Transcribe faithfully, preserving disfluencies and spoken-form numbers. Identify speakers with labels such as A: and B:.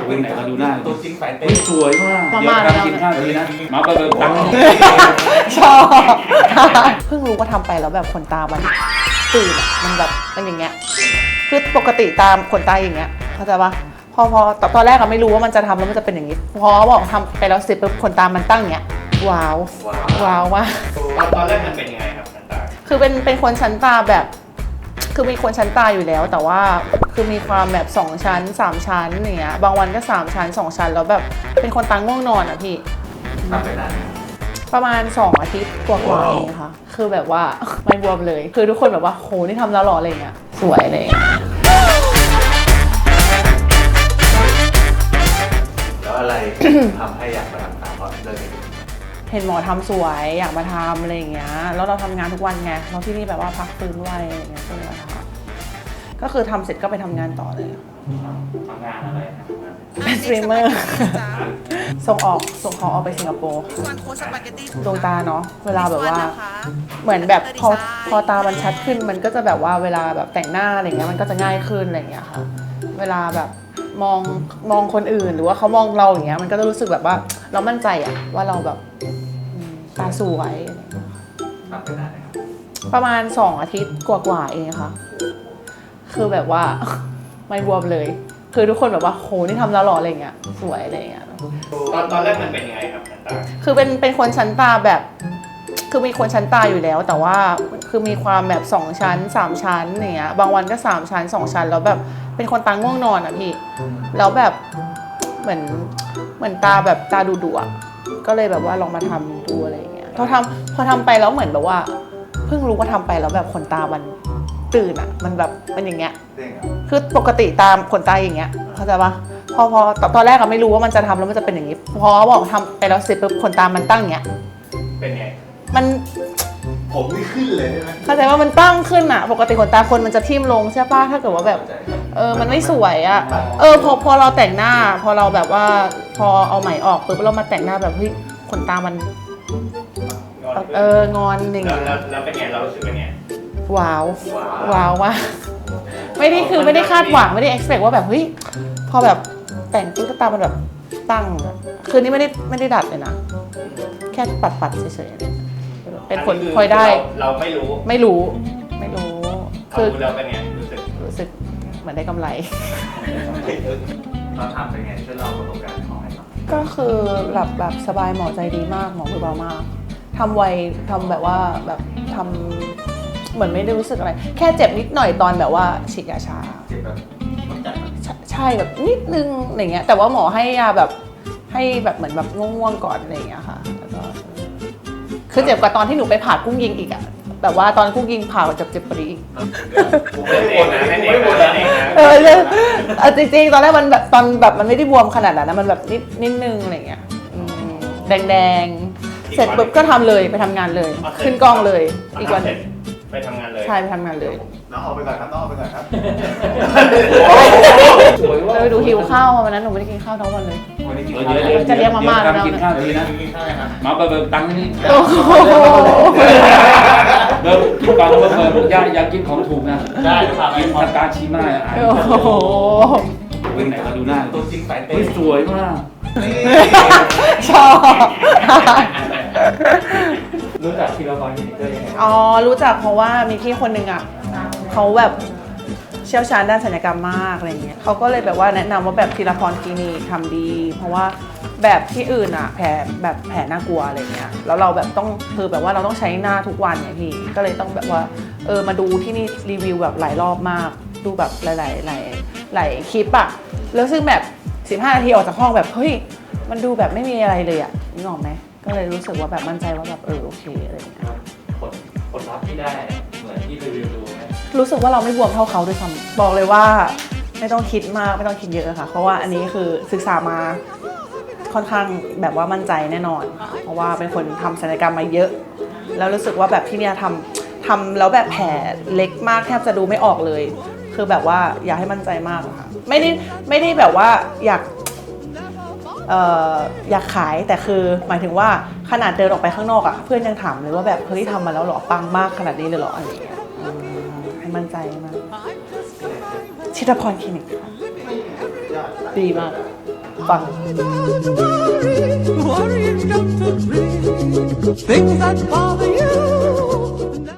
A: วิ่งไหนก็ดูหน้า
B: ตัวจริงสายเต้
A: สวยมากเดี๋ยวทำกินข้าวดีนะมาไปเบิกตังค์
C: ชอบเพิ่งรู้ว่าทำไปแล้วแบบขนตามันตื่นอะมันแบบมันอย่างเงี้ยคือปกติตามขนตาอย่างเงี้ยเข้าใจปะพอพอตอนแรกก็ไม่รู้ว่ามันจะทำแล้วมันจะเป็นอย่างนี้พอบอกทำไปแล้วเสร็จปุ๊บขนตามันตั้งอย่างเงี้ยว้าวว้าวว่ะ
B: ตอนแรกมันเป็นยังไงครับชั้นตา
C: คือเป็นเป็นคนชั้นตาแบบคือมีคนชั้นตาอยู่แล้วแต่ว่าคือมีความแบบสองชั้นสามชั้นอย่างเงี้ยบางวันก็สามชั้นสองชั้นแล้วแบบเป็นคนตาง่วงนอนอ่ะพี่
B: ทำไปนาน
C: ประมาณสองอาทิตย์กว่าๆเองค่ะคือแบบว่าไม่บวมเลยคือทุกคนแบบว่าโหนี่ทำแล้วหรออะไรเงี้ยสวยเลย
B: แล้วอะไร ทำให้อยากมาทำตามเพราะเรื่องนี้
C: เห็นหมอทำสวยอยากมาทำอะไรอย่างเงี้ยแล้วเราทำงานทุกวันไงเราที่นี่แบบว่าพักฟื้นไวอะไรเงี้ยก็เลยมาทำก็คือทำเสร็จก็ไปทำงานต่อเลย
B: ทำงานอะไรครับ
C: เป็นสตรีมเมอร์ส่งออกส่งของออกไปสิงคโปร์ดวงตาเนาะเวลาแบบว่าเหมือนแบบพอพอตามันชัดขึ้นมันก็จะแบบว่าเวลาแบบแต่งหน้าอะไรเงี้ยมันก็จะง่ายขึ้นอะไรเงี้ยค่ะเวลาแบบมองมองคนอื่นหรือว่าเขามองเราอย่างเงี้ยมันก็จะรู้สึกแบบว่าเรามั่นใจอะว่าเราแบบตาสวย
B: ทำไปนานนะครับ
C: ประมาณสองอาทิตย์กว่าๆเองค่ะคือแบบว่าไม่บวมเลยคือทุกคนแบบว่าโหนี่ทำแล้วหรออะไรเงี้ยสวยอะไรเงี้ย
B: ตอนตอนแรกมันเป็นยังไงครับชั้นตา
C: คือเป็นเป็นคนชั้นตาแบบคือมีคนชั้นตาอยู่แล้วแต่ว่าคือมีความแบบสองชั้นสามชั้นอย่างเงี้ยบางวันก็สามชั้นสองชั้นแล้วแบบเป็นคนตาง่วงนอนอ่ะพี่แล้วแบบเหมือนเหมือนตาแบบตาดุดุอ่ะก็เลยแบบว่าลองมาทำดูอะไรเงี้ยพอทำพอทำไปแล้วเหมือนแบบว่าเพิ่งรู้ว่าทำไปแล้วแบบขนตามันตื่นอ่ะมันแบบมันอย่างเงี้ยคือปกติตามขนตาอย่างเงี้ยเข้าใจปะพอพอตอนแรกก็ไม่รู้ว่ามันจะทำแล้วมันจะเป็นอย่างนี้พอบอกทำไปแล้วเสร็จปุ๊บขนตามันตั้งอย่างเงี้ย
B: เป็นไง
C: มัน
B: ผมไม่ขึ้นเลยใช่ไหม
C: เข้าใจว่ามันตั้งขึ้นอ่ะปกติขนตาคนมันจะทิ่มลงใช่ป่ะถ้าเกิดว่าแบบเออมันไม่สวยอ่ะเออพอพอเราแต่งหน้าพอเราแบบว่าพอเอาไหมออกปุ๊บเรามาแต่งหน้าแบบเฮ้ยขนตามันเอองอนอย่างเงี้ย
B: แล้วเป็นไงเรารู้สึกเป็นไง
C: ว้าวว้าวว่ะไม่ได้คือไม่ได้คาดหวังไม่ได้ expect ว่าแบบเฮ้ยพอแบบแต่งตุ๊กตามันแบบตั้งคือนี่ไม่ได้ไม่ได้ดัดเลยนะแค่ปัดปัดเฉยๆเป็นผลพลอยได้
B: เราไม่รู้
C: ไม่รู้ไม่รู้
B: คือเราเป็นไงรู้สึก
C: รู้สึกเหมือนได้กำไร
B: ตอนทำเป็นไงช่วยเล่าประสบการณ์ของให้ฟัง
C: ก็คือหลับแบบสบายหมอใจดีมากหมอมือเบามากทำไวทำแบบว่าแบบทำเหมือนไม่ได้รู้สึกอะไรแค่เจ็บนิดหน่อยตอนแบบว่าฉีดยาชา
B: เจ็บแบบ
C: ใช่แบบนิดนึงอะไรเงี้ยแต่ว่าหมอให้ยาแบบให้แบบเหมือนแบบง่วงๆก่อนอะไรเงี้ยค่ะแล้วก็คือเจ็บกว่าตอนที่หนูไปผ่ากุ้งยิงอีกอะแบบว่าตอนกุ้งยิงผ่าเจ็บเจ็บกว่านี้อีก
B: ไม่ได้บ่นนะไม่ได้บ่นนะ
C: เออจริงๆตอนแรกมันแบบตอนแบบมันไม่ได้บวมขนาดนั้นนะมันแบบนิดนิดนึงอะไรเงี้ยแดงๆเสร็จปุ๊บก็ทำเลยไปทำงานเลยขึ้นกล้องเลยอีกวัน
B: ไปทำงานเลย
C: ใช่ไปทำงานเลย
B: น้องออกไปก่อนครับน้องออกไปก่อนครับ
C: เราไปดูหิวข้าววันนั้นหนูไม่ได้กินข้าวทั้งวันเลยจะเลี้ยงมาม่าแล้วนะ
A: กินข้าวดีนะมาไปเบิกตังค์นี่
C: โอ้โห
A: เบิกกินก่อนเบิกเบิกอย่าอย่ากินของถูกนะ
B: ได้
A: กินทากาชิมา
C: โอ้โห
A: วิ่งไหนก็ดูหน้า
B: ตัวจริงสายเต้
A: สวยมาก
C: ชอบ
B: รู้จักทีละครคลินิกได้ยังไง
C: อ๋อรู้จักเพราะว่ามีพี่คนหนึ่งอ่ะเขาแบบเชี่ยวชาญด้านศัลยกรรมมากอะไรเงี้ยเขาก็เลยแบบว่าแนะนำว่าแบบทีละครคลินิกทำดีเพราะว่าแบบที่อื่นอ่ะแผลแบบแผลน่ากลัวอะไรเงี้ยแล้วเราแบบต้องคือแบบว่าเราต้องใช้หน้าทุกวันไงพี่ก็เลยต้องแบบว่าเออมาดูที่นี่รีวิวแบบหลายรอบมากดูแบบหลายหลายหลายหลายคลิปอ่ะแล้วซึ่งแบบสิบห้านาทีออกจากห้องแบบเฮ้ยมันดูแบบไม่มีอะไรเลยอ่ะนึกออกไหมก็เลยรู้สึกว่าแบบมั่นใจว่าแบบเออโอเคอะไรอย่างเงี้ย
B: ผลผลลัพธ์ที่ได้เหมือนที่รีวิวดูไหม
C: รู้สึกว่าเราไม่บวมเท่าเขาด้วยซ้ำบอกเลยว่าไม่ต้องคิดมากไม่ต้องคิดเยอะค่ะเพราะว่าอันนี้คือศึกษามาค่อนข้างแบบว่ามั่นใจแน่นอนเพราะว่าเป็นคนทำศัลยกรรมมาเยอะแล้วรู้สึกว่าแบบที่เนี่ยทำทำแล้วแบบแผลเล็กมากแทบจะดูไม่ออกเลยคือแบบว่าอยากให้มั่นใจมากค่ะไม่ได้ไม่ได้แบบว่าอยากเอ่ออยากขายแต่คือหมายถึงว่าขนาดเดินออกไปข้างนอกอ่ะเพื่อนยังถามเลยว่าแบบเฮ้ยทำมาแล้วหรอปังมากขนาดนี้เลยหรออะไรอย่างเงี้ยให้มั่นใจมากชิตาพรคลินิกดีมากฟัง
D: Worrying don't agree. Things that bother